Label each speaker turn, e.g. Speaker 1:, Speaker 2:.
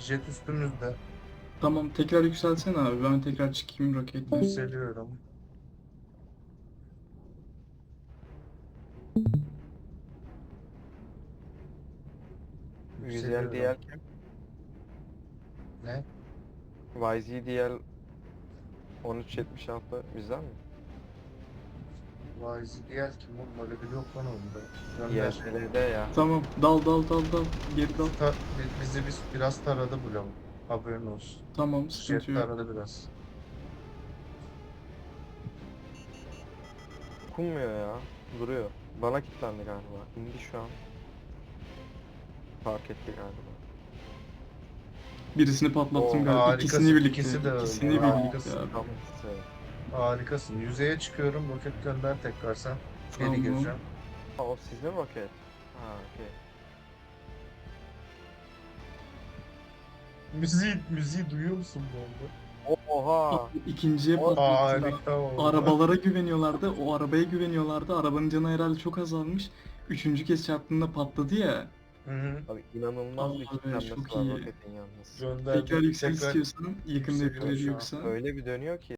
Speaker 1: Jet üstümüzde.
Speaker 2: Tamam tekrar yükselsene abi. Ben tekrar çıkayım roketle.
Speaker 1: Yükseliyorum.
Speaker 3: YZDL
Speaker 1: Yükseliyorum.
Speaker 3: kim?
Speaker 1: Ne?
Speaker 3: YZDL 1376 bizden mi?
Speaker 1: YZDL kim oğlum? Öyle biri yok lan onda. Gönder.
Speaker 3: YZL'de ya.
Speaker 2: Tamam dal. Geri dal.
Speaker 1: Bizi biraz taradı bu lavuk. Haberin olsun.
Speaker 2: Tamam sıkıntı
Speaker 1: Jet
Speaker 2: yok.
Speaker 1: taradı biraz.
Speaker 3: Dokunmuyor ya. Duruyor. Bana kilitlendi galiba. İndi şu an. Fark etti galiba.
Speaker 2: Birisini patlattım
Speaker 3: Oo,
Speaker 2: galiba.
Speaker 1: harikasın.
Speaker 2: İkisini birlikte.
Speaker 1: İkisi de öyle.
Speaker 2: İkisini birlikte
Speaker 1: Harikasın.
Speaker 2: abi.
Speaker 3: Tamam.
Speaker 1: Harikasın. Yüzeye çıkıyorum. Roket gönder tekrar sen. Geri
Speaker 2: Tamam.
Speaker 1: gireceğim.
Speaker 3: Ha, o sizin roket. Ha okey.
Speaker 1: Müziği duyuyor musun bu arada?
Speaker 3: Oha.
Speaker 2: İkinciye
Speaker 3: O-
Speaker 2: patlattılar.
Speaker 1: Harika oldu.
Speaker 2: Arabalara güveniyorlardı. O arabaya güveniyorlardı. Arabanın canı herhalde çok azalmış. Üçüncü kez çarptığında patladı ya.
Speaker 1: Hı hı.
Speaker 3: Abi inanılmaz bir
Speaker 2: Abi,
Speaker 3: kilitlenmesi
Speaker 2: çok
Speaker 3: var
Speaker 2: iyi.
Speaker 3: roketin yalnız.
Speaker 1: Gönderdim.
Speaker 2: Tekrar yüksel
Speaker 1: Tekrar
Speaker 2: istiyorsan yakında
Speaker 1: yükseliyor
Speaker 2: yapılır
Speaker 1: şu an.
Speaker 2: yoksa.
Speaker 3: Öyle bir dönüyor ki.